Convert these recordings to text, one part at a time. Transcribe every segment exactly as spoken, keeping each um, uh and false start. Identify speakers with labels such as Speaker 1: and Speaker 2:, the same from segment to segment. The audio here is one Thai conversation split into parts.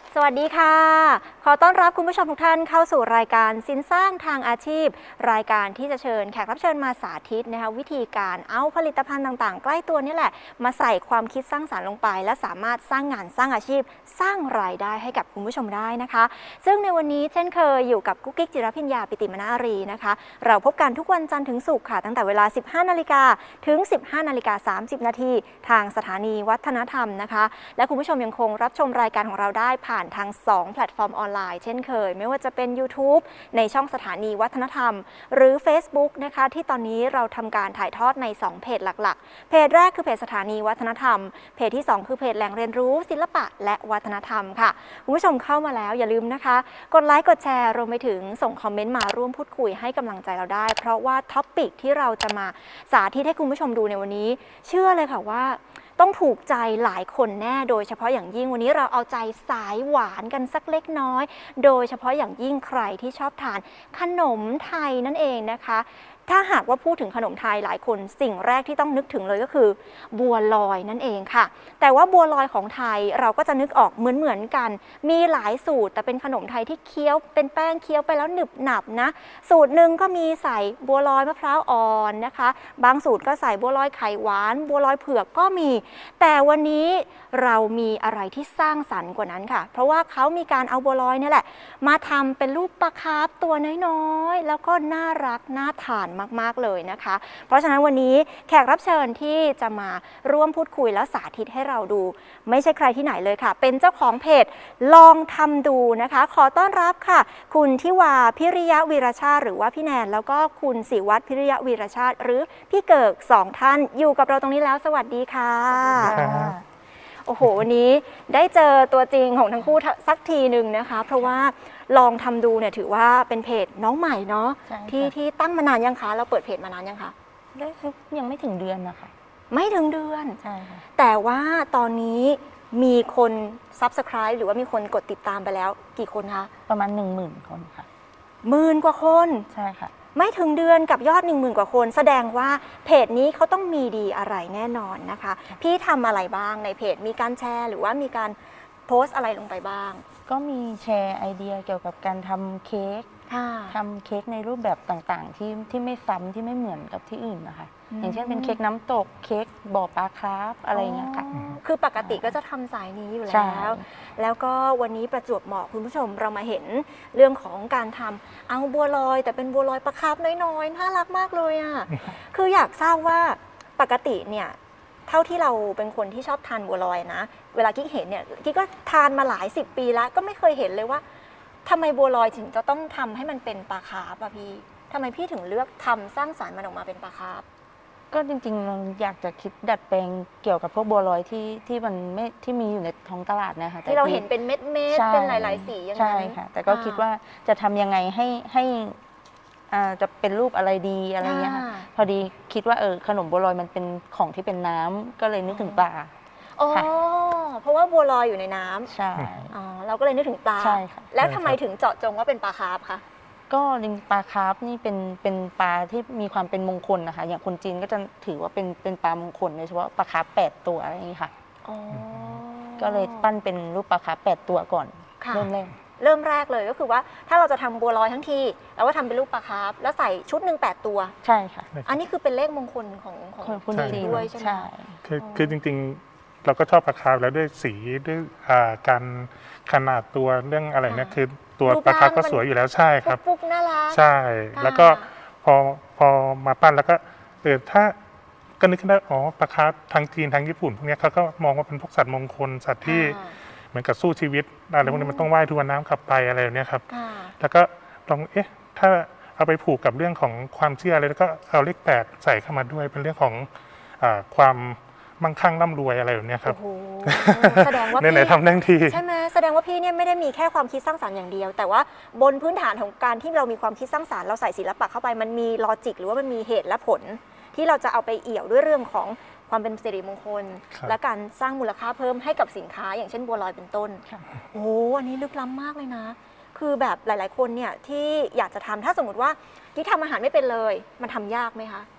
Speaker 1: สวัสดีค่ะขอต้อนรับคุณผู้ชมทุกท่านเข้าสู่รายการสินสร้างทางอาชีพรายการที่จะเชิญแขกรับเชิญมาสาธิตนะคะวิธีการเอาผลิตภัณฑ์ต่างๆใกล้ตัวนี่แหละมาใส่ความคิดสร้างสรรค์ลงไปและสามารถสร้างงานสร้างอาชีพสร้างรายได้ให้กับคุณผู้ชมได้นะคะซึ่งในวันนี้เช่นเคยอยู่กับกุ๊กกิ๊กจิรพิญญาปิติมนารีนะคะเราพบกันทุกวันจันทร์ถึงศุกร์ค่ะตั้งแต่เวลา สิบห้านาฬิกา ถึง สิบห้านาฬิกาสามสิบนาทีทางสถานีวัฒนธรรมนะคะและคุณผู้ชมยังคงรับชมรายการของเราได้ผ่านทางสองแพลตฟอร์มออนไลน์เช่นเคยไม่ว่าจะเป็น YouTube ในช่องสถานีวัฒนธรรมหรือ Facebook นะคะที่ตอนนี้เราทำการถ่ายทอดในสองเพจหลักๆเพจแรกคือเพจสถานีวัฒนธรรมเพจที่สองคือเพจแหล่งเรียนรู้ศิลปะและวัฒนธรรมค่ะคุณผู้ชมเข้ามาแล้วอย่าลืมนะคะกดไลค์กดแชร์รวมไปถึงส่งคอมเมนต์มาร่วมพูดคุยให้กำลังใจเราได้เพราะว่าท็อปปิกที่เราจะมาสาธิตให้คุณผู้ชมดูในวันนี้เชื่อเลยค่ะว่าต้องถูกใจหลายคนแน่โดยเฉพาะอย่างยิ่งวันนี้เราเอาใจสายหวานกันสักเล็กน้อยโดยเฉพาะอย่างยิ่งใครที่ชอบทานขนมไทยนั่นเองนะคะถ้าหากว่าพูดถึงขนมไทยหลายคนสิ่งแรกที่ต้องนึกถึงเลยก็คือบัวลอยนั่นเองค่ะแต่ว่าบัวลอยของไทยเราก็จะนึกออกเหมือนๆกันมีหลายสูตรแต่เป็นขนมไทยที่เคี้ยวเป็นแป้งเคี้ยวไปแล้วหนึบหนับนะสูตรหนึ่งก็มีใส่บัวลอยมะพร้าวอ่อนนะคะบางสูตรก็ใส่บัวลอยไข่หวานบัวลอยเผือกก็มีแต่วันนี้เรามีอะไรที่สร้างสรรค์กว่านั้นค่ะเพราะว่าเขามีการเอาบัวลอยนี่แหละมาทำเป็นรูปปลาคาร์ฟตัวน้อยๆแล้วก็น่ารักน่าทานมากๆเลยนะคะเพราะฉะนั้นวันนี้แขกรับเชิญที่จะมาร่วมพูดคุยและสาธิตให้เราดูไม่ใช่ใครที่ไหนเลยค่ะเป็นเจ้าของเพจลองทำดูนะคะขอต้อนรับค่ะคุณทิวาพิริยะวีรชาติหรือว่าพี่แนนแล้วก็คุณศิวัฒน์พิริยะวีรชาติหรือพี่เกิกสองท่านอยู่กับเราตรงนี้แล้วสวัสดีค่ะโอ้โหวันนี้ได้เจอตัวจริงของทั้งคู่สักทีหนึ่งนะคะเพราะว่าลองทำดูเนี่ยถือว่าเป็นเพจน้องใหม่เนาะที่ที่ตั้งมานานยังคะเราเปิดเพจมานานยังคะ
Speaker 2: ได้ยังไม่ถึงเดือนนะคะ
Speaker 1: ไม่ถึงเดือน
Speaker 2: ใช่ค่ะ
Speaker 1: แต่ว่าตอนนี้มีคน ซับสไครบ์ หรือว่ามีคนกดติดตามไปแล้วกี่คนคะ
Speaker 2: ประมาณหนึ่งหมื่นคนค่ะ
Speaker 1: หมื่นกว่าคน
Speaker 2: ใช่ค่ะ
Speaker 1: ไม่ถึงเดือนกับยอดหนึ่งหมื่นกว่าคนแสดงว่าเพจนี้เขาต้องมีดีอะไรแน่นอนนะคะพี่ทำอะไรบ้างในเพจมีการแชร์หรือว่ามีการโพสต์อะไรลงไปบ้าง
Speaker 2: ก็มีแชร์ไอเดียเกี่ยวกับการทำเค้กทำเค้กในรูปแบบต่างๆที่ที่ไม่ซ้ำที่ไม่เหมือนกับที่อื่นนะคะอย่างเช่นเป็นเค้กน้ำตกเค้กบ่อปลาคราฟอะไรเงี้ยค่ะ
Speaker 1: คือปกติก็จะทำสายนี้อยู่แล้วแล้วก็วันนี้ประจวบเหมาะคุณผู้ชมเรามาเห็นเรื่องของการทำเอาบัวลอยแต่เป็นบัวลอยปลาคราฟน้อยๆน่ารักมากเลยอ่ะ คืออยากทราบว่าปกติเนี่ยเท่าที่เราเป็นคนที่ชอบทานบัวลอยนะเวลากิ๊กเห็นเนี่ยกิ๊กก็ทานมาหลายสิบปีแล้วก็ไม่เคยเห็นเลยว่าทำไมบัวลอยถึงจะต้องทำให้มันเป็นปลาคาร์ฟอะพี่ทำไมพี่ถึงเลือกทำสร้างสรรค์มันออกมาเป็นปลาคาร์ฟ
Speaker 2: ก็จริงๆเราอยากจะคิดดัดแปลงเกี่ยวกับพวกบัวลอยที่ที่มันไม่ที่มีอยู่ในท้องตลาดนะคะ
Speaker 1: ที่เราเห็นเป็นเม็ดเม็ดเป็นหลายๆสีอย่างนั้น
Speaker 2: ใช่ค่ะแต่ก็คิดว่าจะทำยังไงให้ให้จะเป็นรูปอะไรดีอะไรเงี้ยค่ะพอดีคิดว่าเออขนมบัวลอยมันเป็นของที่เป็นน้ำก็เลยนึกถึงปลา
Speaker 1: อ๋อเพราะว่าบัวลอยอยู่ในน้ำ
Speaker 2: ใช่
Speaker 1: อ๋อเราก็เลยนึกถึงปลา
Speaker 2: ใช่ค่ะ
Speaker 1: แล้วทำไมถึงเจาะจงว่าเป็นปลาคาร์ฟคะ
Speaker 2: ก็ลิงปลาคาร์ฟนี่เป็นเป็นปลาที่มีความเป็นมงคลนะคะอย่างคนจีนก็จะถือว่าเป็นเป็นปลามงคลโดยเฉพาะปลาคาร์ฟแปดตัวอะไรอย่างนี้ค่ะก็เลยปั้นเป็นรูปปลาคาร์ฟแปดตัวก่อนเริ่มแรก
Speaker 1: เริ่มแรกเลยก็คือว่าถ้าเราจะทำบัวลอยทั้งทีเราก็ทำเป็นรูปปลาคาร์ฟแล้วใส่ชุดหนึ่งแปดตัว
Speaker 2: ใช่ค่ะ
Speaker 1: อันนี้คือเป็นเลขมงคลของของ
Speaker 2: คนจีน
Speaker 1: ด้วยใช่ไหม
Speaker 3: คือคือจริงๆเราก็ชอบปลาคาร์ฟแล้วด้วยสีด้วยการขนาดตัวเรื่องอะไรเนี่ยคือตัวปลาคาร์ฟก็สวยอยู่แล้วใช่ครับ
Speaker 1: ปุ๊กน่ารัก
Speaker 3: ใช่แล้วก็พอพอมาปั้นแล้วก็เออถ้าก็นึกขึ้นได้อ๋อปลาคาร์ฟทางจีนทางญี่ปุ่นพวกนี้เขาก็มองว่าเป็นพวกสัตว์มงคลสัตว์ที่เหมือนกับสู้ชีวิตอะไรพวกนี้มันต้องว่ายทวนน้ำขับไปอะไรแบบนี้ครับแล้วก็ลองเอ๊ะถ้าเอาไปผูกกับเรื่องของความเชื่ออะไรแล้วก็เอาเลขแปดใส่เข้ามาด้วยเป็นเรื่องของความมั่งคั่งร่ำรวยอะไรแบบนี้ครับ
Speaker 1: แสดงว่า
Speaker 3: พี่ทำทั้งที
Speaker 1: ใช่ไหมแสดงว่าพี่เนี่ยไม่ได้มีแค่ความคิดสร้างสรรค์อย่างเดียวแต่ว่าบนพื้นฐานของการที่เรามีความคิดสร้างสรรค์เราใส่ศิลปะเข้าไปมันมีลอจิกหรือว่ามันมีเหตุและผลที่เราจะเอาไปเอี่ยวด้วยเรื่องของความเป็นสิริมงคลและการสร้างมูลค่าเพิ่มให้กับสินค้าอย่างเช่นบัวลอยเป็นต้นโอ้อันนี้ลึกล้ำมากเลยนะคือแบบหลายๆคนเนี่ยที่อยากจะทำถ้าสมมติว่ากิ๊กทำอาหารไม่เป็นเลยมันทำยากไหมคะ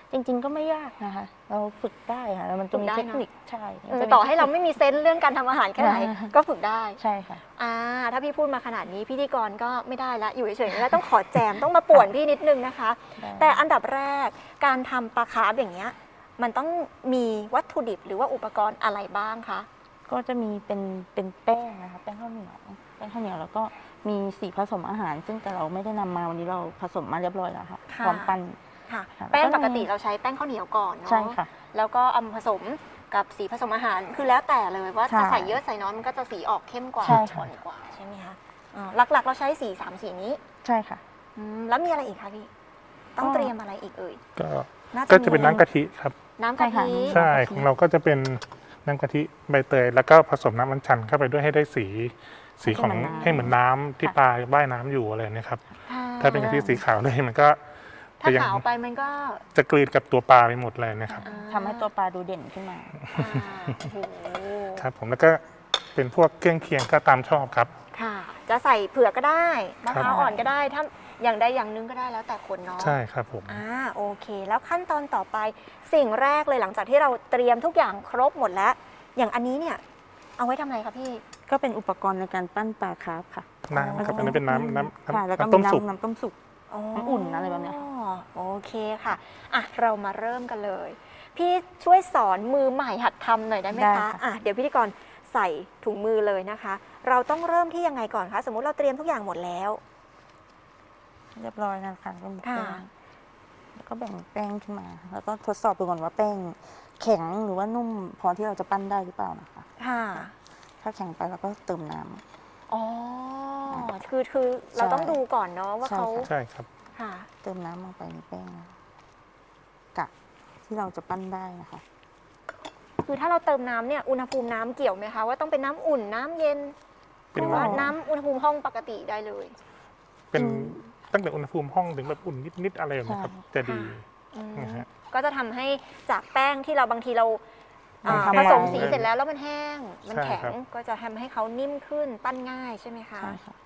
Speaker 2: จริง ๆ ก็ไม่ยากนะคะ เราฝึกได้ค่ะแล้วมันจะมี
Speaker 1: ฝึกได้
Speaker 2: เท
Speaker 1: นะ
Speaker 2: คนิคใช่
Speaker 1: เอ
Speaker 2: มัน
Speaker 1: อ
Speaker 2: จะมี
Speaker 1: ต่อให้เราไม่มีเซนส์เรื่องการทำอาหารแค่ไหน
Speaker 2: อ่า
Speaker 1: ก็ฝึกได้
Speaker 2: ใช่ค่ะ
Speaker 1: อ่าถ้าพี่พูดมาขนาดนี้พิธีกรก็ไม่ได้ละอยู่เฉยๆไม่ได้ต้องขอแจมต้องมาป่วนพี่นิดนึงนะคะ
Speaker 2: ได้
Speaker 1: แต่อันดับแรกการทำปลาคาร์ฟอย่างเงี้ยมันต้องมีวัตถุดิบหรือว่าอุปกรณ์อะไรบ้างคะ
Speaker 2: ก็จะมีเป็นเป็นแป้งนะคะแป้งข้าวเหนียวแป้งข้าวเหนียวแล้วก็มีสีผสมอาหาร ซึ่งแต่เราไม่ได้นำมาวันนี้เราผสมมาเรียบร้อยแล้วค่ะพร้อมปั้น
Speaker 1: ค่ะ
Speaker 2: ค่ะ
Speaker 1: แป้ง
Speaker 2: แล้วก็
Speaker 1: ปกติเราใช้แป้งข้าวเหนียวก่อนเนาะ
Speaker 2: ใช่ค่ะ
Speaker 1: แล้วก็เอามาผสมกับสีผสมอาหารคือแล้วแต่เลยว่า
Speaker 2: ใช่
Speaker 1: จะใส่เยอะใส่น้อยมันก็จะสีออกเข้มกว่า
Speaker 2: ใช่ค่ะ
Speaker 1: อ่อนกว่าใช่ไหมคะอ่าหลักๆ เราใช้สีสามสีนี้
Speaker 2: ใช่ค่ะ
Speaker 1: อืมแล้วมีอะไรอีกคะพี่ต้อง
Speaker 2: ก็
Speaker 1: เตรียมอะไรอีกเอ่ย
Speaker 3: ก็
Speaker 1: น่า
Speaker 3: ก็จะเป็นน้ำกะทิครับ
Speaker 1: น้ำกะทิ
Speaker 2: ใช่
Speaker 3: ใช่ของเราก็จะเป็นน้ำกะทิใบเตย แล้วก็ผสมน้ำมันชันเข้าไปด้วยให้ได้สี สีของให้เหมือนน้ำที่ปลาว่ายน้ำอยู่อะไรเนะครับ
Speaker 1: ค่ะ
Speaker 3: ถ้าเป็นกะทิสีขาวเลยมันก็
Speaker 1: ถ้า
Speaker 3: จะยัง
Speaker 1: ขาวไปมันก็
Speaker 3: จะกลืนกับตัวปลาไปหมดเลยนะครับ
Speaker 1: อ่า
Speaker 2: ทำให้ตัวปลาดูเด่นขึ้นมา
Speaker 1: อ่าโอ้โห
Speaker 3: ครับผมแล้วก็เป็นพวกเครื่องเคียงก็ตามชอบครับ
Speaker 1: ค่ะ จะใส่เผือกก็ได้มะพร้าว
Speaker 3: ครับ
Speaker 1: อ่อนก็ได้ถ้าอย่างใดอย่างหนึงก็ได้แล้วแต่คนเนาะ
Speaker 3: ใช่ครับผม
Speaker 1: อ่าโอเค แล้วขั้นตอนต่อไปสิ่งแรกเลยหลังจากที่เราเตรียมทุกอย่างครบหมดแล้ว อย่างอันนี้เนี่ยเอาไว้ทำอะไรคะพี่
Speaker 2: ก็เป็นอุปกรณ์ในการปั้นปลาคาร์ฟค่ะ
Speaker 3: น้ำครับอันนี้เป็นน้ำน้ำ
Speaker 2: ค่ะแล้วก็
Speaker 3: น้ำ
Speaker 2: มี
Speaker 3: ต้มสุก
Speaker 2: น้ำน้ำต้มสุก
Speaker 1: อ๋อ
Speaker 2: น้ำอุ่นอะไรแบบเนี้ยค่ะ
Speaker 1: โอเคค่ะอ่ะ เรามาเริ่มกันเลย พี่ช่วยสอนมือใหม่หัดทำหน่อยได้ไหม
Speaker 2: ได้
Speaker 1: คะ
Speaker 2: ค่ะ
Speaker 1: อ่ะเดี๋ยวพิธีกรใส่ถุงมือเลยนะคะ เราต้องเริ่มที่ยังไงก่อนคะสมมุติเราเตรียมทุกอย่างหมดแล้ว
Speaker 2: เรียบร้อยนะคะก็มี
Speaker 1: ค่ะ
Speaker 2: แป้งแล้วก็แบ่งแป้งขึ้นมา แล้วก็ทดสอบดูก่อนว่าแป้งแข็งหรือว่านุ่มพอที่เราจะปั้นได้หรือเปล่านะคะ
Speaker 1: ค่ะ
Speaker 2: ถ้าแข็งไปเราก็เติมน้ำ
Speaker 1: อ๋อ คือคือเราต้องดูก่อนเนาะว่า
Speaker 2: ใช่
Speaker 1: เขา
Speaker 2: ค่ะ
Speaker 3: ใช่ครับ
Speaker 1: ค่ะ
Speaker 2: เติมน้ำลงไปในแป้งกะที่เราจะปั้นได้นะคะ
Speaker 1: คือถ้าเราเติมน้ำเนี่ยอุณหภูมิน้ำเกี่ยวไหมคะว่าต้องเป็นน้ำอุ่นน้ำเย็น
Speaker 3: เป็น
Speaker 1: หรือว่าน้ำอุณหภูมิห้องปกติได้เลย
Speaker 3: เป็น
Speaker 2: อืม
Speaker 3: ตั้งแต่อุณหภูมิห้องถึงแบบอุ่นนิดๆอะไรแบบนี้ครับ
Speaker 2: ใช่
Speaker 3: จะดี
Speaker 1: อืม
Speaker 3: นะฮะ
Speaker 1: ก็จะทำให้จากแป้งที่เราบางทีเราอ่า
Speaker 2: มัน
Speaker 1: ผ
Speaker 2: ทำ
Speaker 1: สม
Speaker 2: งาน
Speaker 1: สีเสร็จแล้วแล้วมันแห้ง มัน
Speaker 3: ใช่
Speaker 1: แข็ง
Speaker 3: ครับ
Speaker 1: ก็จะทำให้เขานิ่มขึ้นปั้นง่ายใช่ไหมคะ
Speaker 2: ใช่ค่ะ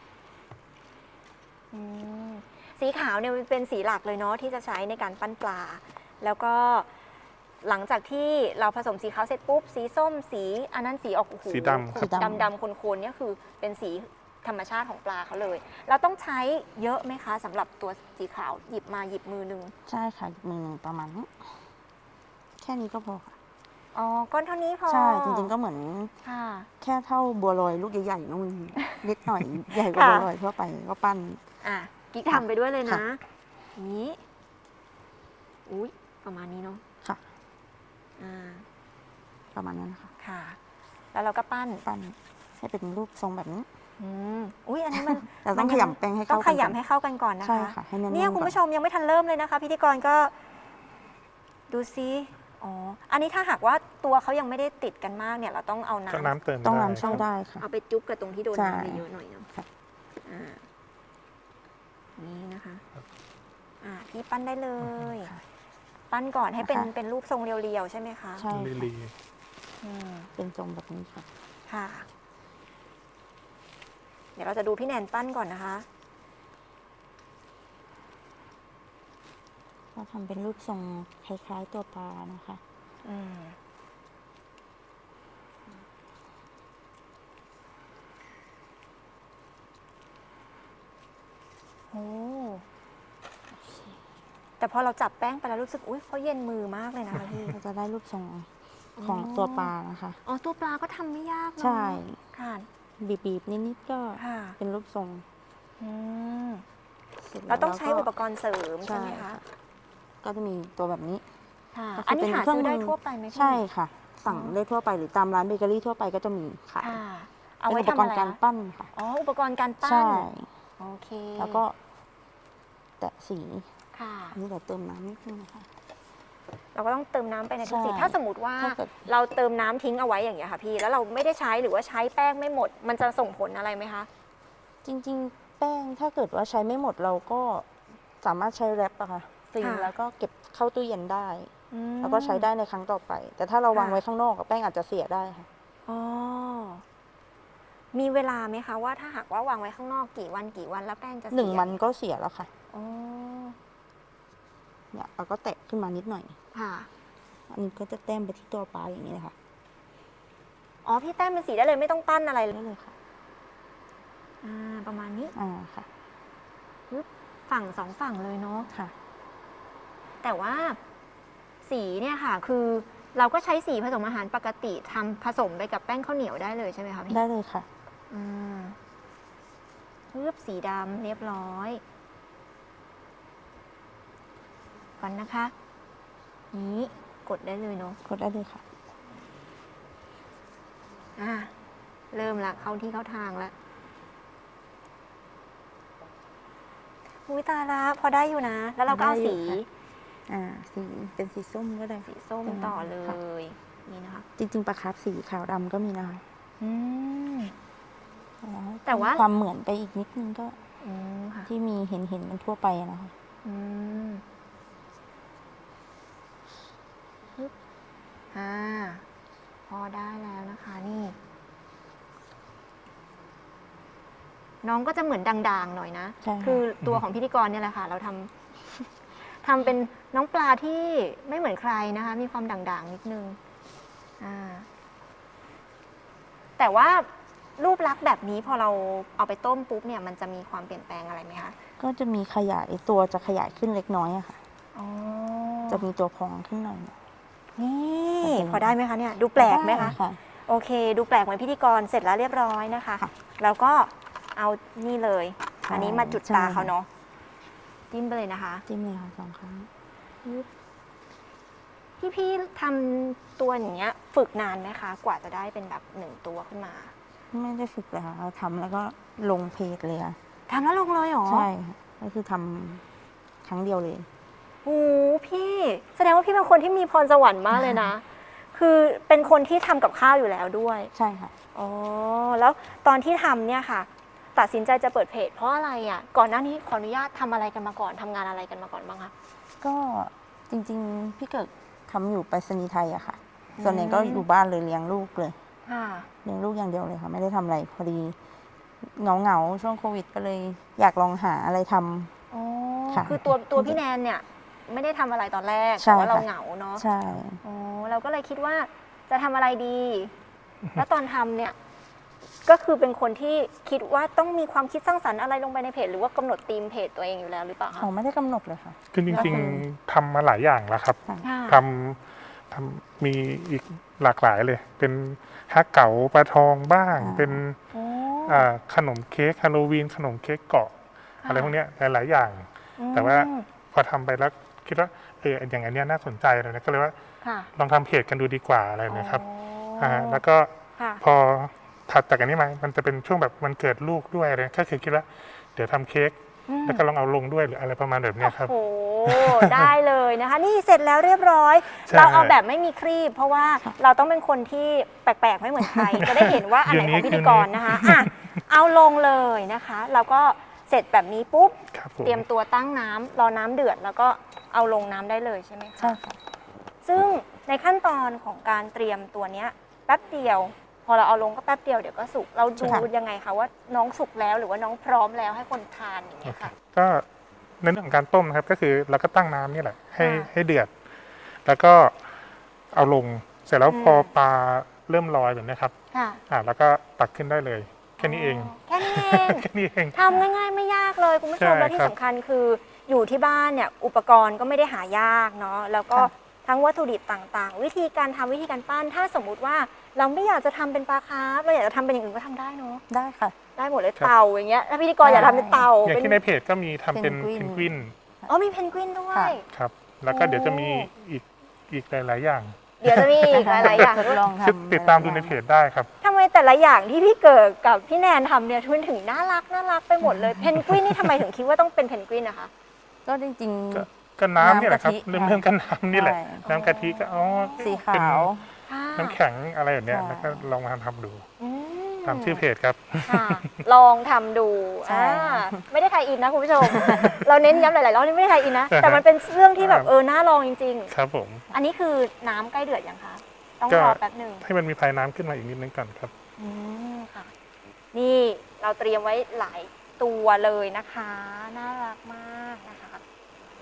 Speaker 1: อืมสีขาวเนี่ยมันเป็นสีหลักเลยเนาะที่จะใช้ในการปั้นปลา แล้วก็หลังจากที่เราผสมสีขาวเสร็จปุ๊บสีส้มสีอันนั้นสีออกโอ้โห
Speaker 3: สีดำครับ
Speaker 2: สีดำ
Speaker 1: ดำๆโคนๆเนี่ยคือเป็นสีธรรมชาติของปลาเขาเลย เราต้องใช้เยอะไหมคะสำหรับตัวสีขาวหยิบมาหยิบมือหนึ่ง
Speaker 2: ใช่ค่ะมือหนึ่งประมาณนี้แค่นี้ก็พอค่ะ
Speaker 1: อ๋อก้อนเท่านี้พอ
Speaker 2: ใช่จริงๆก็เหมือน
Speaker 1: ค่ะ
Speaker 2: แค่เท่าบัวลอยลูกใหญ่ๆนู่นนิดหน่อยใหญ่กว่า
Speaker 1: ค่ะ
Speaker 2: บัวลอยทั่วไปก็ปั้น
Speaker 1: อ่ะกิ๊กทำไปด้วยเลยนะ
Speaker 2: ค่ะ
Speaker 1: นี้อุ้ยประมาณนี้เนาะ
Speaker 2: ค่ะ
Speaker 1: อ่า
Speaker 2: ประมาณนั้นนะคะ
Speaker 1: ค่ะ แล้วเราก็ปั้น
Speaker 2: ปั้นให้เป็นรูปทรงแบบนี้
Speaker 1: อืมอุ้ยอันนี้มัน
Speaker 2: แต่ต้อง
Speaker 1: มัน
Speaker 2: ข
Speaker 1: ยัง
Speaker 2: ยำแป้งให้
Speaker 1: ต้
Speaker 2: เข้า
Speaker 1: อง
Speaker 2: กั
Speaker 1: ข
Speaker 2: นก่อน
Speaker 1: ยำให้เข้ากันก่อนนะคะ
Speaker 2: ใช่ค่ะให้แน่นๆ
Speaker 1: เนี่ยคุณ
Speaker 2: ก่อน
Speaker 1: ผู้ชมยังไม่ทันเริ่มเลยนะคะ พิธีกรก็ ดูซิอ๋ออันนี้ถ้าหากว่าตัวเขายังไม่ได้ติดกันมากเนี่ย เราต้องเอาน้
Speaker 3: ก็น้ำเติม
Speaker 2: ต้อง
Speaker 3: ได้
Speaker 2: น้ำช่วยได้ค่ะ
Speaker 1: ำเอาไปจุ๊บกับตรงที่โดน
Speaker 2: ใช่
Speaker 1: น้ำเยอะๆหน่อยเนาะ
Speaker 2: ค่ะ
Speaker 1: อ่านี่นะคะอ่าพี่ปั้นได้เลย
Speaker 2: ค่ะ
Speaker 1: ปั้นก่อนให้เป็น
Speaker 2: นะคะ
Speaker 1: เป็นรูปทรงเรียวๆใช่ไหมคะ
Speaker 2: ใช่
Speaker 3: ลี
Speaker 2: ค่ะ
Speaker 3: ลี
Speaker 1: อืม
Speaker 2: เป็นทรงแบบนี้ค่ะ
Speaker 1: ค่ะ เดี๋ยวเราจะดูพี่แนนปั้นก่อนนะคะ
Speaker 2: ก็ทำเป็นรูปทรงคล้ายๆตัวปลานะคะ
Speaker 1: อืมโอ้แต่พอเราจับแป้งไปแล้วรู้สึก อุ้ยเขาเย็นมือมากเลยนะคะพี่
Speaker 2: เราจะได้รูปทรงของตัวปลานะคะ
Speaker 1: อ๋อ ตัวปลาก็ทำไม่ยากเนอะ
Speaker 2: ใช่
Speaker 1: ค่ะ
Speaker 2: บีบๆนิดๆก็
Speaker 1: ค่ะ
Speaker 2: เป็นรูปทรง
Speaker 1: อืม
Speaker 2: สจ
Speaker 1: เราต้องใช้
Speaker 2: แล้ว
Speaker 1: อุปกรณ์เสริมใช่ไหม
Speaker 2: ใช่
Speaker 1: คะ
Speaker 2: ค่ะ ก็จะมีตัวแบบนี้
Speaker 1: ค่ะ
Speaker 2: ก็คือ
Speaker 1: อันนี้
Speaker 2: เป็น
Speaker 1: หา
Speaker 2: เครื่อง
Speaker 1: ซื้อได้
Speaker 2: มือ
Speaker 1: ทั่วไปไหมพี่
Speaker 2: ใช่ค่ะ สั่ง
Speaker 1: อ๋อ
Speaker 2: ได้ทั่วไปหรือตามร้านเบเกอรี่ทั่วไปก็จะมีขาย
Speaker 1: ค่ะ เอา
Speaker 2: เป็น
Speaker 1: ไว้
Speaker 2: อุป
Speaker 1: ทำ
Speaker 2: ก
Speaker 1: อะ
Speaker 2: ร
Speaker 1: ไร
Speaker 2: ณ์การ
Speaker 1: คะ
Speaker 2: ปั้นค่ะ
Speaker 1: อ๋อ อุปกรณ์การปั้น
Speaker 2: ใช่
Speaker 1: โอเค
Speaker 2: แล้วก็แตะสี
Speaker 1: ค่ะ
Speaker 2: อันนี้เดี๋ยวเติมน้ำนิดนึงนะคะ
Speaker 1: เราก็ต้องเติมน้ำไปในทุกสี
Speaker 2: ใช่
Speaker 1: ถ้าสมมติว่า
Speaker 2: ถ้าเกิด
Speaker 1: เราเติมน้ำทิ้งเอาไว้อย่างเงี้ยค่ะพี่ แล้วเราไม่ได้ใช้หรือว่าใช้แป้งไม่หมด มันจะส่งผลอะไรไหมคะ
Speaker 2: จริง ๆ แป้งถ้าเกิดว่าใช้ไม่หมดเราก็สามารถใช้แรปอะค่ะซีล
Speaker 1: ค่ะ
Speaker 2: แล้วก็เก็บเข้าตู้เย็นได้
Speaker 1: อืม
Speaker 2: แล้วก็ใช้ได้ในครั้งต่อไป แต่ถ้าเราวาง
Speaker 1: ค่ะ
Speaker 2: ไว้ข้างนอกอะแป้งอาจจะเสียได้ค่ะ
Speaker 1: อ๋อ มีเวลาไหมคะว่าถ้าหากว่าวางไว้ข้างนอกกี่วันกี่วันแล้วแป้งจะเสีย
Speaker 2: หนึ่งวันก็เสียแล้วค่ะ
Speaker 1: อ๋อ
Speaker 2: เนี่ยเราก็แตะขึ้นมานิดหน่อย
Speaker 1: ค่ะ
Speaker 2: อันนี้ก็จะแต้มไปที่ตัวปลาอย่างนี้เลยค่ะ
Speaker 1: อ๋อพี่แต้มเป็นสีได้เลยไม่ต้องปั้นอะไรเลย
Speaker 2: ได้เลยค่ะ
Speaker 1: อ่าประมาณนี้
Speaker 2: อ่าค่ะ
Speaker 1: ปึ๊บฝั่งสองฝั่งเลยเนาะ
Speaker 2: ค่ะ
Speaker 1: แต่ว่าสีเนี่ยค่ะ คือเราก็ใช้สีผสมอาหารปกติทำผสมไปกับแป้งข้าวเหนียวได้เลยใช่ไหมคะพี่
Speaker 2: ได้เลยค่ะ
Speaker 1: อ่าปึ๊บสีดำเรียบร้อยก่อนนะคะ นี้กดได้เลยเนาะ
Speaker 2: กดได้เลยค่ะ
Speaker 1: อ่าเริ่มละเข้าที่เข้าทางแล้วอุ้ยตายละพอได้อยู่นะ แล้วเราก็เอา
Speaker 2: ได้อยู่
Speaker 1: สี
Speaker 2: ค่ะ อ่า สีเป็นสีส้มก็ได้
Speaker 1: สีส้ม
Speaker 2: เป็น
Speaker 1: ต่อเล
Speaker 2: ค่ะ
Speaker 1: ย นี่นะคะ
Speaker 2: จริงๆปลาคาร์ฟสีขาวดำก็มีนะคะ
Speaker 1: อืม
Speaker 2: อ๋อ
Speaker 1: แต่ว่า
Speaker 2: ความเหมือนไปอีกนิดนึงก็
Speaker 1: อืมค่ะ
Speaker 2: ที่มีเห็นเห็นมันทั่วไปอะนะคะ
Speaker 1: อืมปึ๊บอ่าพอได้แล้วนะคะนี่ น้องก็จะเหมือนด่างๆหน่อยนะ
Speaker 2: ใช่ค่ะ
Speaker 1: คือตัวของพิธีกรเนี่ยแหละค่ะ เราทำ ทำเป็นน้องปลาที่ไม่เหมือนใครนะคะ มีความด่างๆนิดนึง อ่า แต่ว่ารูปลักษณ์แบบนี้พอเราเอาไปต้มปุ๊บเนี่ยมันจะมีความเปลี่ยนแปลงอะไรไหมคะ
Speaker 2: ก็จะมีขยายตัวจะขยายขึ้นเล็กน้อยอะค่ะ
Speaker 1: อ๋อ
Speaker 2: จะมีตัวพองขึ้นหน่อย
Speaker 1: นี่
Speaker 2: โอเค
Speaker 1: พอได้ไหมคะเนี่ย ดูแปลกไหมคะ
Speaker 2: ด้ค่ะ
Speaker 1: โอเค ดูแปลกเหมือนพิธีกรเสร็จแล้วเรียบร้อยนะคะ
Speaker 2: ค่ะ
Speaker 1: แล้วก็เอานี่เลย
Speaker 2: ใช่
Speaker 1: อันนี้มาจุด
Speaker 2: ใช่
Speaker 1: ตาเขาเนาะจิ้มไปเลยนะคะ
Speaker 2: จิ้มเลยค่ะสองครั้ง
Speaker 1: พี่พี่ทำตัวอย่างเงี้ย ฝึกนานไหมคะ กว่าจะได้เป็นแบบหนึ่งตัวขึ้นมา
Speaker 2: ไม่ได้ฝึกเลยค่ะเราทำแล้วก็ลงเพจเลยค่ะ
Speaker 1: ทำแล้วลงเลยเหรอ
Speaker 2: ใช่ค่ะก็คือทำครั้งเดียวเลย
Speaker 1: โอ้โหพี่ แสดงว่าพี่เป็นคนที่มีพรสวรรค์มากเลยนะ คือเป็นคนที่ทำกับข้าวอยู่แล้วด้วย
Speaker 2: ใช่ค่ะ
Speaker 1: อ๋อ แล้วตอนที่ทำเนี่ยค่ะ ตัดสินใจจะเปิดเพจเพราะอะไรอ่ะ ก่อนหน้านี้ขออนุญาตทำอะไรกันมาก่อนทำงานอะไรกันมาก่อนบ้างคะ
Speaker 2: ก็จริงๆ พี่เกิดทำอยู่ไปรษณีย์ไทยอะค่ะ
Speaker 1: อืม
Speaker 2: ส่วนใหญ่ก็อยู่บ้านเลยเลี้ยงลูกเลย
Speaker 1: ค่ะ
Speaker 2: เลี้ยงลูกอย่างเดียวเลยค่ะ ไม่ได้ทำอะไรพอดีเหงาเหงาๆช่วงโควิดก็เลยอยากลองหาอะไรทำ
Speaker 1: อ๋อ
Speaker 2: ค่ะ
Speaker 1: คือตัวตัวพี่แนนเนี่ย ไม่ได้ทำอะไรตอนแรก
Speaker 2: ใช่
Speaker 1: แต่ว่าเรา
Speaker 2: ค่ะ
Speaker 1: เหงาเนาะ
Speaker 2: ใช่
Speaker 1: อ๋อ เราก็เลยคิดว่าจะทำอะไรดี แล้วตอนทำเนี่ย ก็คือเป็นคนที่คิดว่าต้องมีความคิดสร้างสรรค์อะไรลงไปในเพจ หรือว่ากำหนดธีมเพจตัวเองอยู่แล้วหรือเปล่าคะ
Speaker 2: เขาไม่ได้กำหนดเลยค่ะ
Speaker 3: คือจ
Speaker 2: ก็
Speaker 3: ริง
Speaker 2: คือ
Speaker 3: ๆทำมาหลายอย่างแล้วครับ
Speaker 2: ค่ะ
Speaker 1: ค่ะ
Speaker 3: ทำทำมีอีกหลากหลายเลย เป็นฮักเก๋าปลาทองบ้าง
Speaker 2: อ่า
Speaker 3: เป็น
Speaker 1: โอ้
Speaker 3: อ่าขนมเค้กฮาโลวีนขนมเค้กเกาะ
Speaker 1: ค่ะ
Speaker 3: อะไรพวกเนี้ยหลายๆอย่าง แต่ว่า พอทำไปแล้วคิดว่าเอออย่างอันเนี้ยน่าสนใจเลยนะก็เลยว่า
Speaker 1: ค่ะ
Speaker 3: ลองทำเพจกันดูดีกว่าอะไรแบบนะครับ
Speaker 1: อ๋อ
Speaker 3: อ่าแล้วก็
Speaker 1: ค่ะ
Speaker 3: พอถัดจากอันนี้มามันจะเป็นช่วงแบบวันเกิดลูกด้วยอะไรก็คือคิดว่าเดี๋ยวทำเค้ก
Speaker 1: อืม
Speaker 3: แล้วก็ลองเอาลงด้วยหรืออะไรประมาณแบบเนี้ยครับ
Speaker 1: โอ้โห ได้เลยนะคะ นี่เสร็จแล้วเรียบร้อย
Speaker 3: ใช่
Speaker 1: เราเอาแบบไม่มีครีบ เพราะว่าเราต้องเป็นคนที่แปลกๆ ไม่เหมือนใคร จะได้เห็นว่าอันไหนของพิธีกรนะคะอ่ะเอาลงเลยนะคะ แล้วก็เสร็จแบบนี้ปุ๊บ
Speaker 3: ครับผม
Speaker 1: เตรียมตัวตั้งน้ำรอน้ำเดือด แล้วก็เอาลงน้ำได้เลยใช่ไหมคะ
Speaker 2: ใช่ค่ะ
Speaker 1: ซึ่งในขั้นตอนของการเตรียมตัวเนี้ยแป๊บเดียว พอเราเอาลงก็แป๊บเดียวเดี๋ยวก็สุก เราดู
Speaker 2: ค่ะ
Speaker 1: ยังไงคะว่าน้องสุกแล้วหรือว่าน้องพร้อมแล้วให้คนทานอย่างเงี้ยค่ะ
Speaker 3: ก็ในเรื่องของการต้มนะครับ ก็คือเราก็ตั้งน้ำนี่แหละ ให้
Speaker 1: ค่ะ
Speaker 3: ให้เดือด แล้วก็เอาลงเสร็จแล้ว
Speaker 1: อืม
Speaker 3: พอปลาเริ่มลอยแบบเนี้ยครับ
Speaker 1: ค่ะ
Speaker 3: อ่าแล้วก็ตักขึ้นได้เลยแค่นี้เอง
Speaker 1: แค่นี้เอง
Speaker 3: แค่นี้เอง
Speaker 1: ทำง่ายๆไม่ยากเลยคุณผู้ชม
Speaker 3: ใช่
Speaker 1: แล้วที่
Speaker 3: ครับ
Speaker 1: สำคัญคืออยู่ที่บ้านเนี่ยอุปกรณ์ก็ไม่ได้หายากเนาะแล้วก็
Speaker 2: ค่ะ
Speaker 1: ทั้งวัตถุดิบต่างๆ วิธีการทำวิธีการปั้นถ้าสมมุติว่าเราไม่อยากจะทำเป็นปลาคาร์ฟเราอยากจะทำเป็นอย่างอื่นก็ทำได้เนาะ
Speaker 2: ได้ค่ะ
Speaker 1: ได้หมดเลย
Speaker 3: ครับ
Speaker 1: เต่าอย่างเงี้ยถ้าพิธีกรอยากทำเป็นเต่า
Speaker 3: อย่าง
Speaker 1: เป็น
Speaker 3: ที่ในเพจก็มีทำเป็น
Speaker 2: เพ
Speaker 3: เพ
Speaker 2: น
Speaker 3: น
Speaker 2: ก
Speaker 3: ก
Speaker 2: วิ
Speaker 3: วิ
Speaker 2: น
Speaker 3: น
Speaker 1: อ๋อมีเพนกวินด้วย
Speaker 2: ค่ะ
Speaker 3: ครับ แล้วก็เดี๋ยวจะมี
Speaker 1: โอ้
Speaker 3: อีกอีกหลาย ๆ อย่าง
Speaker 1: เดี๋ยวจะมีอีกหลายๆอย่าง
Speaker 2: ทด
Speaker 1: ด้วย
Speaker 2: ลอง
Speaker 3: คือ
Speaker 2: ทำ
Speaker 3: ติดตามดูในเพจได้ครับ
Speaker 1: ทำไมแต่ละอย่างที่พี่เกิดกับพี่แนนทำเนี่ยทุนถึงน่ารักน่ารักไปหมดเลยเพนกวินนี่ทำไมถึงคิดว่าต้องเป็นเพนกวินนะคะ
Speaker 2: ก็จริง
Speaker 3: ก็ ก็น้ำนี่แหละครับ
Speaker 2: น้ำกะทิ
Speaker 3: เริ่มเริ่มกันน้ำนี่แหละ
Speaker 2: ใช่
Speaker 3: น้ำกะทิก็อ๋อ
Speaker 2: ๆ สี
Speaker 3: เป็น
Speaker 2: ขาว
Speaker 1: ค่ะ
Speaker 3: น้ำแข็งอะไรแบบเนี้ย
Speaker 2: ใช่
Speaker 3: แล้วก็ลองมาทำดู
Speaker 1: อืม
Speaker 3: ตามชื่อเพจครับ
Speaker 1: ค่ะลองทำดู
Speaker 2: ใช่
Speaker 1: อ่าไม่ได้ไทยอินนะคุณผู้ชม เราเน้นย้ำหลายๆรอบนี่ไม่ได้ไทยอินนะ
Speaker 3: อ่าฮะ
Speaker 1: แต่มันเป็นเรื่องที่แบบ
Speaker 3: ครับ
Speaker 1: เออน่าลองจริง
Speaker 3: ครับผม
Speaker 1: ๆ อันนี้คือน้ำใกล้เดือดยังคะ ต้อง
Speaker 3: ก็
Speaker 1: รอแป๊บหนึ่ง
Speaker 3: ให้มันมีภายน้ำขึ้นมาอีกนิดนึงก่อนครับ
Speaker 1: อืมค่ะ นี่เราเตรียมไว้หลายตัวเลยนะคะ น่ารักมากนะคะ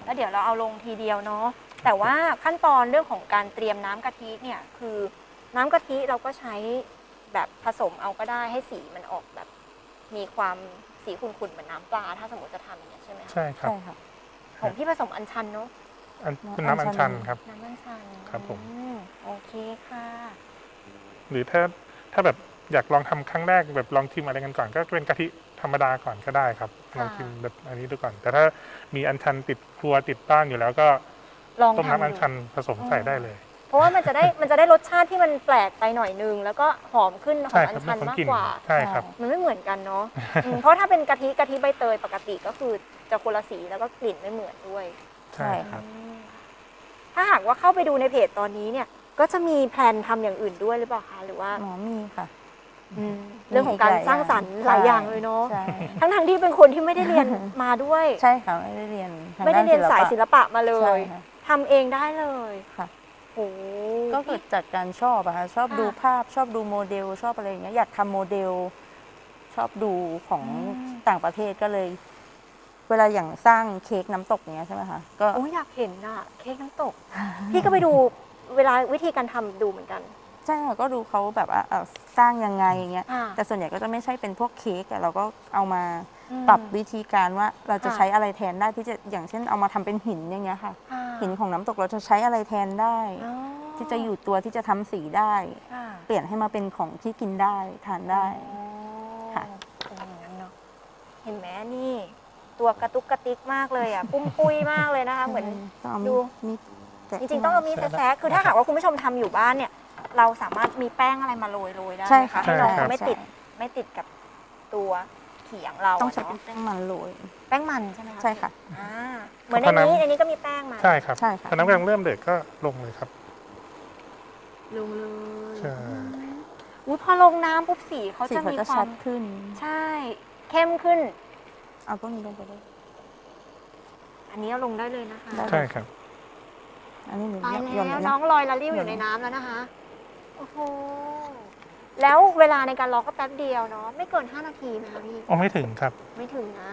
Speaker 1: แล้วเดี๋ยวเราเอาลงทีเดียวเนาะแต่ว่าขั้นตอนเรื่องของการเตรียมน้ำกะทิเนี่ยคือน้ำกะทิเราก็ใช้แบบผสมเอาก็ได้ให้สีมันออกแบบมีความสีขุ่นๆเหมือนน้ำปลาถ้าสมมติจะทำอย่างเงี้ยใช่ไหมคะ
Speaker 3: ใช่ครับ
Speaker 2: ใช่ค่ะ
Speaker 1: ของพี่ผสมอัญชันเนาะ
Speaker 3: อันเป็นน้ำอัญชันครับ
Speaker 1: น้ำอัญชัน
Speaker 3: ครับผม
Speaker 1: อืโอเคค่ะ
Speaker 3: หรือถ้าถ้าแบบอยากลองทำครั้งแรกแบบลองชิมอะไรกันก่อน ก็เป็นกะทิธรรมดาก่อนก็ได้ครับลองชิมแบบอันนี้ดูก่อน แต่ถ้ามีอัญชันติดครัวติดบ้านอยู่แล้วก็
Speaker 1: ลอง
Speaker 3: ต้ม
Speaker 1: ทำ
Speaker 3: น้ำอัญ
Speaker 1: ดู
Speaker 3: ชันผสมใส่ได้เลย
Speaker 1: เพราะว่ามันจะได้มันจะได้รสชาติที่มันแปลกไปหน่อยนึงแล้วก็หอมขึ้นขอ
Speaker 3: ใช่
Speaker 1: ง
Speaker 3: ค
Speaker 1: อั
Speaker 3: รั
Speaker 1: ญ
Speaker 3: บ
Speaker 1: ชัน
Speaker 3: เรื่องของ
Speaker 1: มาก
Speaker 3: กลิ่น
Speaker 1: กว่า
Speaker 3: ใช่ครับ
Speaker 1: มันไม่เหมือนกันเนาะอืมเพราะถ้าเป็นกะทิกะทิใบเตยปกติก็คือจะคนละสีแล้วก็กลิ่นไม่เหมือนด้วย
Speaker 3: ใช่ครับ
Speaker 1: อืมถ้าหากว่าเข้าไปดูในเพจตอนนี้เนี่ยก็จะมีแพลนทำอย่างอื่นด้วยหรือเปล่าคะหรือว่า
Speaker 2: หมอมีค่ะ
Speaker 1: อืมเรื่องของการสร้างสรรค์หลายอย่างเลยเนาะ
Speaker 2: ใช่
Speaker 1: ทั้งทงๆที่เป็นคนที่ไม่ได้เรียนมาด้วย
Speaker 2: ใช่ค่ะไม่ได้เรียนทง
Speaker 1: ไม่ได้เรียนสายศิล
Speaker 2: ปะ
Speaker 1: ปะมาเล
Speaker 2: ใช่
Speaker 1: ย
Speaker 2: ค่ะ
Speaker 1: ทำเองได้เลย
Speaker 2: ค่ะ
Speaker 1: โอ้
Speaker 2: ก็เกิดจากการชอบอะค่ะชอบ
Speaker 1: ค่ะ
Speaker 2: ดูภาพชอบดูโมเดลชอบอะไรอย่างเงี้ยอยากทำโมเดล ชอบดูของ
Speaker 1: อืม
Speaker 2: ต่างประเทศก็เลย เวลาอย่างสร้างเค้กน้ำตกอย่างเงี้ยใช่ไหมคะก็
Speaker 1: โอ้ยอยากเห็นอะเค้กน้ำตก พี่ก็ไปดูเวลาวิธีการทำดูเหมือนกัน
Speaker 2: ใช่ค่ะก็ดูเขาแบบว่าเอ่อสร้างยังไงอย่างเงี้ย
Speaker 1: อ่า
Speaker 2: แต่ส่วนใหญ่ก็จะไม่ใช่เป็นพวกเค้กอะเราก็เอามา
Speaker 1: อืม
Speaker 2: ปรับวิธีการว่าเราจะ
Speaker 1: ค่ะ
Speaker 2: ใช้อะไรแทนได้ที่จะอย่างเช่นเอามาทำเป็นหินอย่างเงี้ยค่ะ
Speaker 1: ค่ะ
Speaker 2: หินของน้ำตกเราจะใช้อะไรแทนได้
Speaker 1: อ๋อ
Speaker 2: ที่จะอยู่ตัวที่จะทำสีได้
Speaker 1: ค่ะ
Speaker 2: เปลี่ยนให้มาเป็นของที่กินได้ทานได้
Speaker 1: อ๋อ
Speaker 2: ค่ะ
Speaker 1: เป็นอย่างนั้นเนาะเห็นไหมนี่ ตัวกระตุกกระติกมากเลยอ่ะ ปุ้มปุ้ยมากเลยนะคะ เหมือน
Speaker 2: ต้องเอา
Speaker 1: ดู
Speaker 2: มีดแตะ
Speaker 1: จริงๆ ต้องเอามีดแซะๆคือถ้าหากว่าคุณผู้ชมทำอยู่บ้านเนี่ย เราสามารถมีแป้งอะไรมาโรยโรยๆได้
Speaker 2: ใช่
Speaker 1: ไหม
Speaker 2: ค่ะ
Speaker 1: คะให้น้อง
Speaker 3: ใช่ครับ
Speaker 1: เขาไม่ติดไม่ติดกับตัวเขียงเรา
Speaker 2: ต้อง
Speaker 1: อะ
Speaker 2: ใช้เป็น
Speaker 1: เนาะ
Speaker 2: แป้งมันโรย
Speaker 1: แป้งมันใช่ไหมคะ
Speaker 2: ใช่ค่ะ
Speaker 1: อ่าเหมือนในนี้ในนี้ก็มีแป้งมา
Speaker 3: ใช่ครับ
Speaker 2: ใช่ค่ะ
Speaker 3: พอน้ำกำลังเริ่มเดือดก็ลงเลยครับ
Speaker 1: ลงเลย
Speaker 3: ใช่
Speaker 1: อุ้ยพอลงน้ำปุ๊บสีเขา
Speaker 2: สี
Speaker 1: จะ
Speaker 2: เขา
Speaker 1: มี
Speaker 2: จะ
Speaker 1: ควา
Speaker 2: ชั
Speaker 1: ม
Speaker 2: ดขึ้น
Speaker 1: ใช่ เข้มขึ้น
Speaker 2: เอาต้นนี้ลงไปด้วย
Speaker 1: อันนี้เอาลงได้เลยนะคะ
Speaker 2: ได้
Speaker 3: ใช่ครับ
Speaker 2: อันนี้หนู
Speaker 1: ตาย
Speaker 2: โยน
Speaker 1: แล้ว
Speaker 2: เลย
Speaker 1: น้
Speaker 2: นะ
Speaker 1: องลอยละลิ้วอยู่
Speaker 2: โยน
Speaker 1: ในน้ำแล้วนะคะ โอ้โห แล้วเวลาในการรอก็แป๊บเดียวเนาะ ไม่เกินห้านาทีไหมคะพี่
Speaker 3: อ๋อไม่ถึงครับ
Speaker 1: ไม่ถึงนะ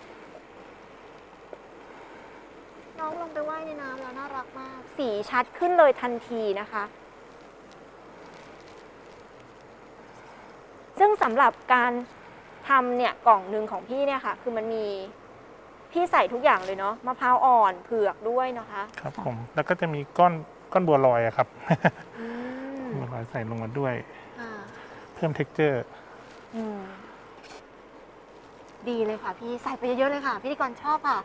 Speaker 1: น้องลงไปว่ายในน้ำแล้วน่ารักมาก สีชัดขึ้นเลยทันทีนะคะ ซึ่งสำหรับการทำเนี่ยกล่องหนึ่งของพี่เนี่ยค่ะ คือมันมีพี่ใส่ทุกอย่างเลยเนาะมะพร้าวอ่อนเผือกด้วยนะคะ
Speaker 3: ครับผม แล้วก็จะมีก้อนก้อนบัวลอยอะครับ
Speaker 1: อืม
Speaker 3: บัวลอยใส่ลงมาด้วย
Speaker 1: ค่ะ
Speaker 3: เพิ่ม เท็กเจอร์
Speaker 1: อืมดีเลยค่ะพี่ใส่ไปเยอะๆเลยค่ะ พิธีกรชอบค่ะ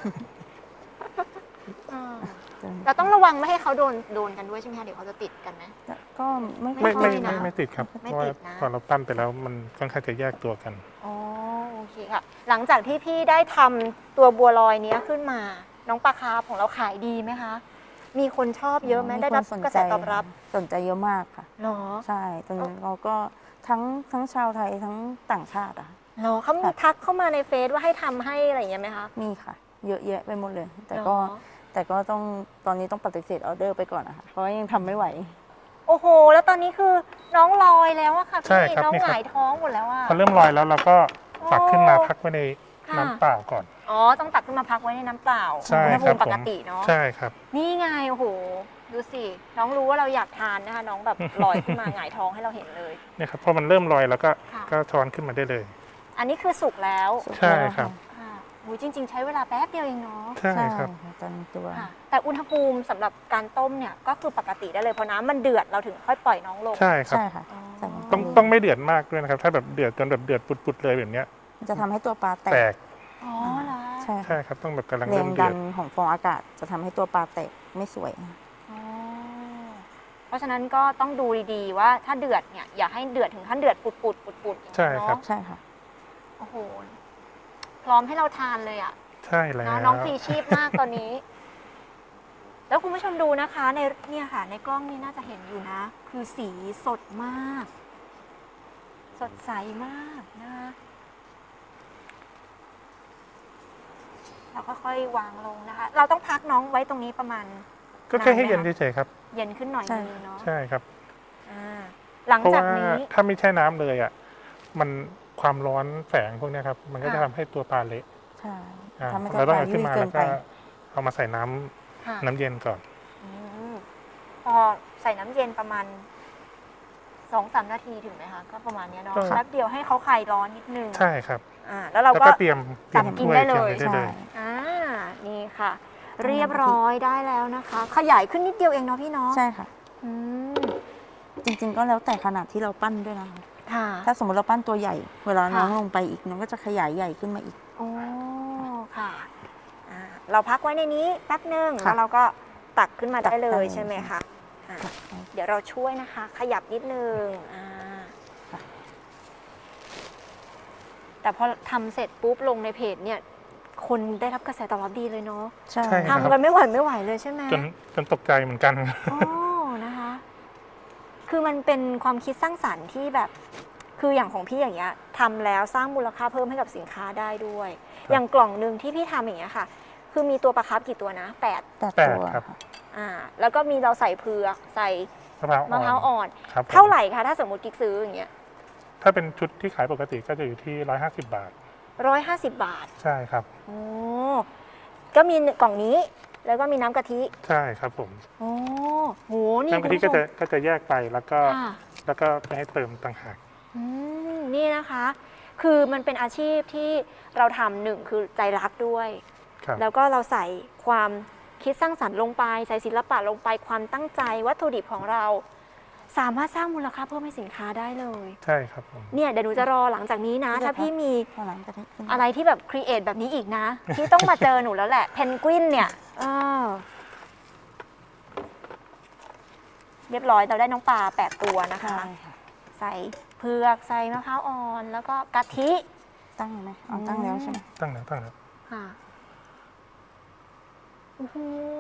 Speaker 1: อ่าเราต้องระวังไม่ให้เขาโดนโดนกันด้วยใช่ไหมคะเดี๋ยวเขาจะติดกันไหม
Speaker 2: ก็ไม่
Speaker 3: ไม่
Speaker 1: ค่
Speaker 3: ไม่
Speaker 1: อยนะ
Speaker 3: ไม่ไม่ติดครับ เพ
Speaker 1: ไม่
Speaker 3: ราะว่า
Speaker 1: ติดนะ
Speaker 3: พอเราปั้นไปแล้วมันค่อนข้างจะแยกตัวกัน
Speaker 1: อ๋อโอเคค่ะ หลังจากที่พี่ได้ทำตัวบัวลอยเนี้ยขึ้นมา น้องปลาคาร์ฟของเราขายดีไหมคะ มีคนชอบเยอะไหมได้รับ
Speaker 2: คนสน
Speaker 1: กระแส
Speaker 2: ใจ
Speaker 1: ตอบรับ
Speaker 2: สนใจเยอะมากค่ะ
Speaker 1: เหรอ
Speaker 2: ใช่ตอนนี้เราก็ทั้งทั้งชาวไทยทั้งต่างชาติอะค่ะ
Speaker 1: เหรอเขามีทักเข้ามาในเฟซว่าให้ทำให้อะไรอย่างเงี้ยไหมคะ
Speaker 2: มีค่ะ เยอะแยะไปหมดเลย แต่
Speaker 1: เหรอ
Speaker 2: ก็แต่ก็ต้องตอนนี้ต้องปฏิเสธออเดอร์ไปก่อนนะคะเพราะว่ายังทำไม่ไหว
Speaker 1: โอ้โห แล้วตอนนี้คือน้องลอยแล้วอะค่ะ
Speaker 3: ใช่
Speaker 1: พี่
Speaker 3: ครับ
Speaker 1: น้อง
Speaker 3: นี่
Speaker 1: ห
Speaker 3: ครับ
Speaker 1: งายท้องหมดแล้วอะ
Speaker 3: พอเริ่มลอยแล้วเราก็ตักขึ้นมาพักไว้ใน
Speaker 1: ค่ะ
Speaker 3: น้ำเปล่าก่อน
Speaker 1: อ๋อ ต้องตักขึ้นมาพักไว้ในน้ำเปล่า
Speaker 3: ใช่
Speaker 1: อุณห
Speaker 3: ค
Speaker 1: ภู
Speaker 3: รับ
Speaker 1: มิป
Speaker 3: ผ
Speaker 1: ก
Speaker 3: ม
Speaker 1: ติเนาะ
Speaker 3: ใช่ครับ
Speaker 1: นี่ไง โอ้โห ดูสิ น้องรู้ว่าเราอยากทานนะคะ น้องแบบ ลอยขึ้นมาหงายท้องให้เราเห็นเลย
Speaker 3: เนี่ยครับพอมันเริ่มลอยแล้วก็
Speaker 1: ค่ะ
Speaker 3: ก็ช้อนขึ้นมาได้เลย
Speaker 1: อันนี้คือสุกแล้ว
Speaker 3: ใช่ครับ
Speaker 1: ค่ะหูยจริง ๆ ใช้เวลาแป๊บเดียวเองเนาะ
Speaker 3: ใช่
Speaker 2: ใช่
Speaker 3: ครับ
Speaker 2: ค่ะตอนตัว
Speaker 1: ค่ะ แต่อุณหภูมิสำหรับการต้มเนี่ยก็คือปกติได้เลยเพราะน้ำมันเดือดเราถึงค่อยปล่อยน้องลง
Speaker 3: ใช่ครับ
Speaker 2: ใช่ค่ะ
Speaker 1: อ๋อ
Speaker 2: ใส่ลงไป
Speaker 3: ต้องต้องไม่เดือดมากด้วยนะครับ ถ้าแบบเดือดจนแบบเดือดปุดๆเลยแบบเนี้ย
Speaker 2: มันจะทำให้ตัวปลาแต
Speaker 3: แต
Speaker 2: ก
Speaker 3: ก
Speaker 1: อ๋อเหรอ
Speaker 2: ใช่
Speaker 3: ใช่ครับต้องแบบกำลัง
Speaker 2: แร
Speaker 3: เริ่
Speaker 2: ง
Speaker 3: ม
Speaker 2: ดั
Speaker 3: เดือด
Speaker 2: นของฟองอากาศจะทำให้ตัวปลาแตกไม่สวย
Speaker 1: อ๋อเพราะฉะนั้นก็ต้องดูดีๆว่าถ้าเดือดเนี่ยอย่าให้เดือดถึงขั้นเดือดปุดๆปุดๆอย่าง
Speaker 3: ใช่
Speaker 1: นี้
Speaker 3: ครับ
Speaker 1: เนาะ
Speaker 2: ใช่ค่ะ
Speaker 1: โอ้โห พร้อมให้เราทานเลยอ่ะ
Speaker 3: ใช่แล้ว
Speaker 1: เนาะน้องพลีชีพมากตอนนี้ แล้วคุณผู้ชมดูนะคะ ในเนี่ยค่ะ ในกล้องนี่น่าจะเห็นอยู่นะ คือสีสดมาก สดใสมากนะคะเราก็ค่อยวางลงนะคะ เราต้องพักน้องไว้ตรงนี้ประมาณ
Speaker 3: ก็แค่ให้
Speaker 1: นานไหม
Speaker 3: เย็น
Speaker 1: คะ
Speaker 3: เฉยๆครับ
Speaker 1: เย็นขึ้นหน่อย
Speaker 2: ใช่
Speaker 1: นึงเนาะ
Speaker 3: ใช่ครับ
Speaker 1: อ่าหลัง
Speaker 3: เพราะ
Speaker 1: จาก
Speaker 3: ว่า
Speaker 1: นี้
Speaker 3: ถ้าไม่ใช่น้ำเลยอ่ะมันความร้อนแฝงพวกเนี้ยครับ มันก็จะ
Speaker 1: ค่ะ
Speaker 3: ทำให้ตัวปลาเละ
Speaker 2: ใช่
Speaker 3: อ่า
Speaker 2: ทำให้ตั
Speaker 3: เรา
Speaker 2: ว
Speaker 3: ต้
Speaker 2: ป
Speaker 3: อง
Speaker 2: ลา
Speaker 3: เอาขึ้
Speaker 2: ยุ่
Speaker 3: น
Speaker 2: ย
Speaker 3: มา
Speaker 2: เกิ
Speaker 3: แล้
Speaker 2: น
Speaker 3: ว
Speaker 2: ไป
Speaker 3: ก็เอามาใส่น้ำ
Speaker 1: ค่ะ
Speaker 3: น้ำเย็นก่อน
Speaker 1: อืมพอใส่น้ำเย็นประมาณสองสามนาทีถึงไหมคะก็ประมาณเนี้ยเนาะ
Speaker 3: ก็
Speaker 1: แป๊บเดียวให้เขาคลายร้อนนิดนึง
Speaker 3: ใช่ครับ
Speaker 1: อ่าแล้วเรา
Speaker 3: แล้ว
Speaker 1: ก็
Speaker 3: ก็เตรียมเตรียม
Speaker 1: ตักกิน
Speaker 3: ถ้วย
Speaker 1: ได้
Speaker 3: เตรียม
Speaker 1: เลย
Speaker 3: ได้เลย
Speaker 1: อ่านี่ค่ะ เรียบร้อยได้แล้วนะคะ ขยายขึ้นนิดเดียวเองเนาะพี่เนาะ
Speaker 2: ใช่ค่ะ
Speaker 1: อืม
Speaker 2: จริงๆก็แล้วแต่ขนาดที่เราปั้นด้วยนะคะ
Speaker 1: ค่ะ
Speaker 2: ถ้าสมมติเราปั้นตัวใหญ่ เวลาน้อง
Speaker 1: ค่ะ
Speaker 2: ลงไปอีกน้องก็จะขยายใหญ่ขึ้นมาอีก
Speaker 1: โอ้ค่ะอ่าเราพักไว้ในนี้แป๊บหนึ่ง
Speaker 2: ค่ะ
Speaker 1: แล้วเราก็ตักขึ้นมา
Speaker 2: ตั
Speaker 1: ได้
Speaker 2: ก
Speaker 1: เล
Speaker 2: ได้
Speaker 1: ย
Speaker 2: เลย
Speaker 1: ใช่ไหม
Speaker 2: ค่ะ
Speaker 1: คะอ่าเดี๋ยวเราช่วยนะคะ ขยับนิดนึงอ่า
Speaker 2: ค่ะ
Speaker 1: แต่พอทำเสร็จปุ๊บลงในเพจเนี่ย คนได้รับกระแสตอบรับดีเลยเนาะ
Speaker 2: ใช่
Speaker 3: ใช่ ครับ
Speaker 1: ทำกันไม่ไหวไม่ไหวเลยใช่ไหม
Speaker 3: จนจนตกใจเหมือนกัน
Speaker 1: โอ้นะคะ คือมันเป็นความคิดสร้างสรรค์ที่แบบ คืออย่างของพี่อย่างเงี้ยทำแล้วสร้างมูลค่าเพิ่มให้กับสินค้าได้ด้วย
Speaker 3: ครับ
Speaker 1: อย่างกล่องหนึ่งที่พี่ทำอย่างเงี้ยค่ะ คือมีตัวปลาคาร์ฟกี่ตัวนะแปด
Speaker 2: แต่
Speaker 3: แปด
Speaker 2: ตัว
Speaker 3: ครับ
Speaker 2: ค่ะ
Speaker 1: อ่า แล้วก็มีเราใส่เผือกใส่
Speaker 3: มะพร้าว
Speaker 1: มะพร้าว
Speaker 3: อ่อน
Speaker 1: อ่อน
Speaker 3: ครับผม
Speaker 1: เท่าไหร่คะถ้าสมมติกิ๊กซื้ออย่างเงี้ย
Speaker 3: ถ้าเป็นชุดที่ขายปกติก็จะอยู่ที่ร้อยห้าสิบบาท
Speaker 1: ร้อยห้าสิบบาท
Speaker 3: ใช่ครับ
Speaker 1: โอ้ก็มีกล่องนี้ แล้วก็มีน้ำกะทิ
Speaker 3: ใช่ครับผม
Speaker 1: โอ้โหนี่
Speaker 3: น้ำกะทิ
Speaker 1: คุณ
Speaker 3: ก็
Speaker 1: ผู้ช
Speaker 3: จะ
Speaker 1: ม
Speaker 3: ก็จะแยกไปแล้วก็
Speaker 1: ค่ะ
Speaker 3: แล้วก็ไปให้เติมต่างหาก
Speaker 1: อืมนี่นะคะ คือมันเป็นอาชีพที่เราทำหนึ่งคือใจรักด้วย
Speaker 3: ครับ
Speaker 1: แล้วก็เราใส่ความคิดสร้างสรรค์ลงไป ใส่ศิลปะลงไปความตั้งใจวัตถุดิบของเรา สามารถสร้างมูลค่าเพิ่มให้สินค้าได้เลย
Speaker 3: ใช่ครับผม
Speaker 1: เนี่ยเดี๋ยวหนูจะรอหลังจากนี้นะ ถ้าพี่มี
Speaker 2: ข้างหลังกะทิขึ้น
Speaker 1: อะไรที่แบบครีเอทแบบนี้อีกนะ ที่ต้องมาเจอหนูแล้วแหละเพนกวินเนี่ยเออเรียบร้อยเราได้น้องปลาแปดตัวนะคะ
Speaker 2: ใช่ค่ะ
Speaker 1: ใส่เผือกใส่มะพร้าวอ่อน แล้วก็กะทิ
Speaker 2: ตั้งไหมเอาตั้งแล้วใช่ไหม
Speaker 3: ตั้งแล้วตั้งแล้ว
Speaker 1: ค่ะโอ้โห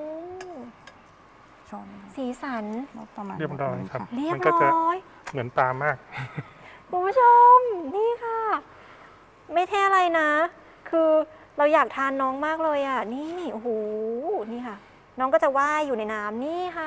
Speaker 2: ช้อน
Speaker 1: สีสัน
Speaker 2: ประมาณ
Speaker 3: เรียบร้อยครับ
Speaker 1: เรียบ
Speaker 3: มันก็จะ
Speaker 1: ร้อย
Speaker 3: เหมือนปลามาก
Speaker 1: คุณผู้ชม นี่ค่ะ ไม่แท้อะไรนะ คือเราอยากทานน้องมากเลยอ่ะ นี่ โอ้โห นี่ค่ะ น้องก็จะว่ายอยู่ในน้ำนี่ค่ะ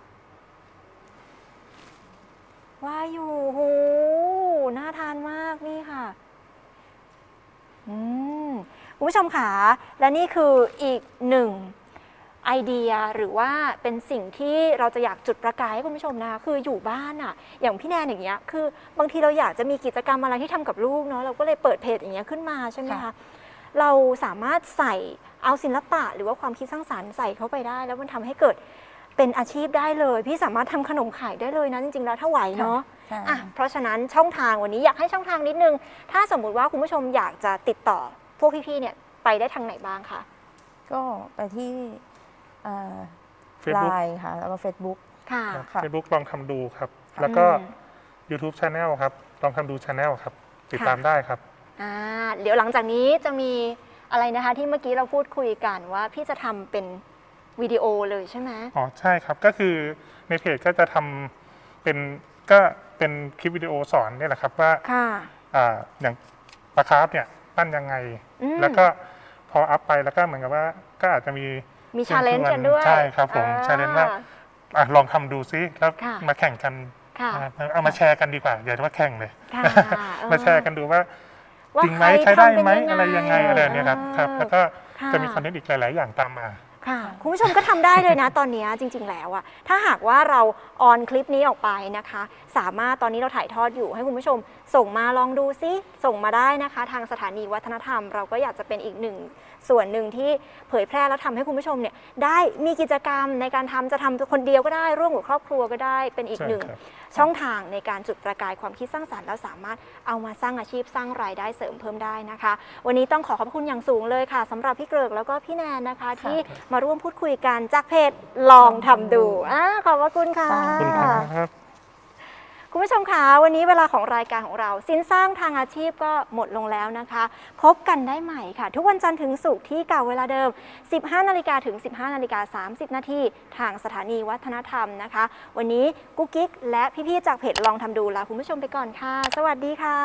Speaker 1: ว่ายอยู่โอ้โห น่าทานมากนี่ค่ะ อืมคุณผู้ชมค่ะ และนี่คืออีกหนึ่งไอเดียหรือว่าเป็นสิ่งที่เราจะอยากจุดประกายให้คุณผู้ชมนะคะคืออยู่บ้านอะอย่างพี่แนนอย่างเงี้ยคือบางทีเราอยากจะมีกิจกรรมอะไรที่ทำกับลูกเนาะเราก็เลยเปิดเพจอย่างเงี้ยขึ้นมาใช่ไหมคะเราสามารถใส่เอาศิลปะหรือว่าความคิดสร้างสรรค์ใส่เข้าไปได้ แล้วมันทำให้เกิดเป็นอาชีพได้เลย พี่สามารถทำขนมขายได้เลยนะจริงๆแล้วถ้าไหวเนาะ
Speaker 2: ใช่
Speaker 1: อ่ะเพราะฉะนั้นช่องทางวันนี้อยากให้ช่องทางนิดนึง ถ้าสมมุติว่าคุณผู้ชมอยากจะติดต่อพวกพี่ๆเนี่ยไปได้ทางไหนบ้างคะ
Speaker 2: ก็ไปที่ไล
Speaker 3: Facebook
Speaker 2: น์ค่ะ แล้วก็ Facebook
Speaker 1: ค่ะ
Speaker 2: ค่ะ
Speaker 3: เฟซบุ๊กลองทำดูครับ
Speaker 2: ค่ะ
Speaker 3: แล้วก็
Speaker 1: อืม
Speaker 3: YouTube Channel ครับ ลองทำดู Channel ครับ ติด
Speaker 1: ค่ะ
Speaker 3: ตามได้ครับ
Speaker 1: อ่าเดี๋ยวหลังจากนี้จะมีอะไรนะคะ ที่เมื่อกี้เราพูดคุยกันว่าพี่จะทำเป็นวิดีโอเลยใช่ไหม
Speaker 3: อ๋อ ใช่ครับ ก็คือในเพจก็จะทำเป็นก็เป็นคลิปวิดีโอสอนนี่แหละครับว่า
Speaker 1: ค่ะ
Speaker 3: อ่าอย่างปลาคาร์ฟเนี่ยปั้นยังไง
Speaker 1: อืม
Speaker 3: แล้วก็พออัพไปแล้วก็เหมือนกับว่าก็อาจจะมี
Speaker 1: มีชาเลนจ์กันด้วย
Speaker 3: ใช่ครับผม
Speaker 1: อ่
Speaker 3: challenge ว่า อ่ะลองทำดูซิแล้ว
Speaker 1: ค่ะ
Speaker 3: มาแข่งกัน
Speaker 1: ค่ะ
Speaker 3: อ่าเอามาแชร์กันดีกว่าอย่าว่าแข่งเลย
Speaker 1: ค่ะเออ
Speaker 3: มาแชร์กันดูว่า
Speaker 1: ว่า
Speaker 3: จริงไหม
Speaker 1: ค
Speaker 3: ใช้ได้
Speaker 1: ทำเป็น
Speaker 3: ไหมอะไรยังไงอะไรเนี่ยครับครับ แล้วก็
Speaker 1: ค่ะ
Speaker 3: จะมีคอนเทนต์อีกหลาย ๆ อย่างตามมา
Speaker 1: ค่ะคุณผู้ชมก็ทำได้เลยนะ ตอนนี้จริง ๆ แล้วอะถ้าหากว่าเราออนคลิปนี้ออกไปนะคะ สามารถตอนนี้เราถ่ายทอดอยู่ให้คุณผู้ชมส่งมาลองดูซิส่งมาได้นะคะ ทางสถานีวัฒนธรรม เราก็อยากจะเป็นอีกหนึ่งส่วนหนึ่งที่เผยแพร่แล้วทำให้คุณผู้ชมเนี่ยได้มีกิจกรรมในการทำจะทำคนเดียวก็ได้ร่วมกับครอบครัวก็ได้เป็นอีก
Speaker 3: ใช่
Speaker 1: หนึ่ง
Speaker 3: ครับ
Speaker 1: ช่องทางในการจุดประกายความคิดสร้างสรรค์แล้วสามารถเอามาสร้างอาชีพสร้างรายได้เสริมเพิ่มได้นะคะ วันนี้ต้องขอขอบคุณอย่างสูงเลยค่ะสำหรับพี่เกริกแล้วก็พี่แนนนะคะ ที่มาร่วมพูดคุยกันจากเพจลองทำดูอ่าขอบพระคุณค่ะ
Speaker 3: ขอบคุณครับ
Speaker 1: คุณผู้ชมคะวันนี้เวลาของรายการของเราสินสร้างทางอาชีพก็หมดลงแล้วนะคะ พบกันได้ใหม่ค่ะ ทุกวันจันทร์ถึงศุกร์ที่เก่าเวลาเดิม สิบห้านาฬิกาถึง สิบห้านาฬิกาสามสิบนาทีทางสถานีวัฒนธรรมนะคะ วันนี้กุ๊กกิ๊กและพี่ๆจากเพจลองทำดูลาคุณผู้ชมไปก่อนค่ะ สวัสดีค่ะ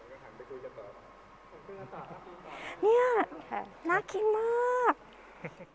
Speaker 1: เนี่ยน่ากินมาก